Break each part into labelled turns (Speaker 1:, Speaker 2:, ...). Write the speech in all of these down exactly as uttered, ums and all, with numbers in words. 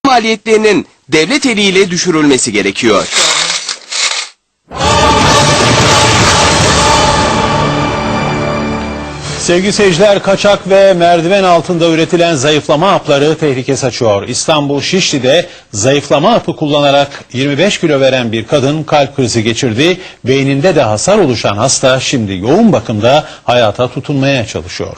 Speaker 1: maliyetlerinin devlet eliyle düşürülmesi gerekiyor.
Speaker 2: Sevgili seyirciler, kaçak ve merdiven altında üretilen zayıflama hapları tehlike saçıyor. İstanbul Şişli'de zayıflama hapı kullanarak yirmi beş kilo veren bir kadın kalp krizi geçirdi. Beyninde de hasar oluşan hasta şimdi yoğun bakımda hayata tutunmaya çalışıyor.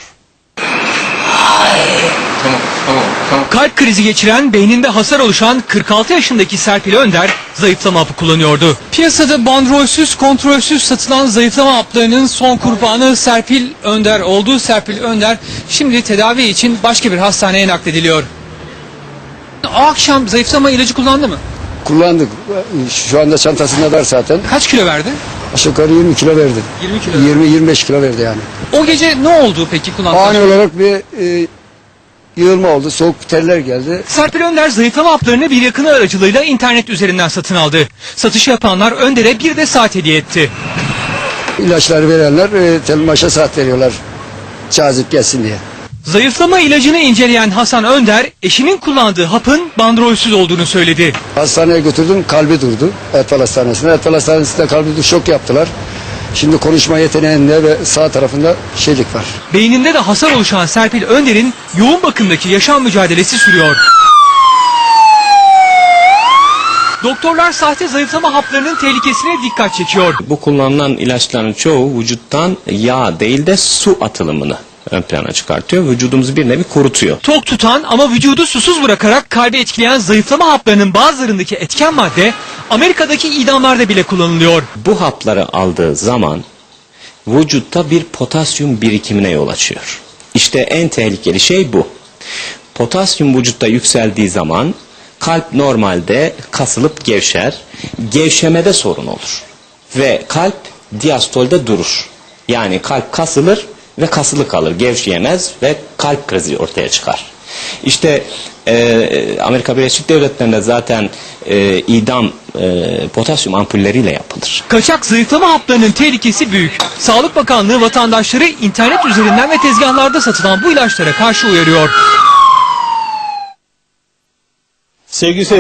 Speaker 3: Kalp krizi geçiren, beyninde hasar oluşan kırk altı yaşındaki Serpil Önder zayıflama hapı kullanıyordu. Piyasada bandrolsüz, kontrolsüz satılan zayıflama haplarının son kurbanı Serpil Önder oldu. Serpil Önder şimdi tedavi için başka bir hastaneye naklediliyor. O akşam zayıflama ilacı kullandı mı?
Speaker 4: Kullandık. Şu anda çantasında var zaten.
Speaker 3: Kaç kilo verdi?
Speaker 4: Aşağı yukarı yirmi kilo verdi.
Speaker 3: yirmi kilo.
Speaker 4: yirmi yirmi beş kilo verdi yani.
Speaker 3: O gece ne oldu peki kullandıktan
Speaker 4: Ani
Speaker 3: sonra?
Speaker 4: olarak bir e, yığılma oldu. Soğuk terler geldi.
Speaker 3: Serpil Önder zayıflama haplarını bir yakını aracılığıyla internet üzerinden satın aldı. Satışı yapanlar Önder'e bir de saat hediye etti.
Speaker 4: İlaçları verenler e, telmaşa saat veriyorlar. Cazip gelsin diye.
Speaker 3: Zayıflama ilacını inceleyen Hasan Önder, eşinin kullandığı hapın bandrolsüz olduğunu söyledi.
Speaker 4: Hastaneye götürdüm, kalbi durdu. Etfal Hastanesi'ne. Etfal Hastanesi'nde kalbi durdu, şok yaptılar. Şimdi konuşma yeteneğinde ve sağ tarafında şeylik var.
Speaker 3: Beyninde de hasar oluşan Serpil Önder'in yoğun bakımdaki yaşam mücadelesi sürüyor. Doktorlar sahte zayıflama haplarının tehlikesine dikkat çekiyor.
Speaker 5: Bu kullanılan ilaçların çoğu vücuttan yağ değil de su atılımını ön plana çıkartıyor. Vücudumuzu bir nevi kurutuyor.
Speaker 3: Tok tutan ama vücudu susuz bırakarak kalbi etkileyen zayıflama haplarının bazılarındaki etken madde Amerika'daki idamlarda bile kullanılıyor.
Speaker 5: Bu hapları aldığı zaman vücutta bir potasyum birikimine yol açıyor. İşte en tehlikeli şey bu. Potasyum vücutta yükseldiği zaman kalp normalde kasılıp gevşer. Gevşemede sorun olur. Ve kalp diastolde durur. Yani kalp kasılır ve kasılı kalır, gevşeyemez ve kalp krizi ortaya çıkar. İşte e, Amerika Birleşik Devletleri'nde zaten e, idam e, potasyum ampulleriyle yapılır.
Speaker 3: Kaçak zayıflama haplarının tehlikesi büyük. Sağlık Bakanlığı vatandaşları internet üzerinden ve tezgahlarda satılan bu ilaçlara karşı uyarıyor.
Speaker 2: Sevgili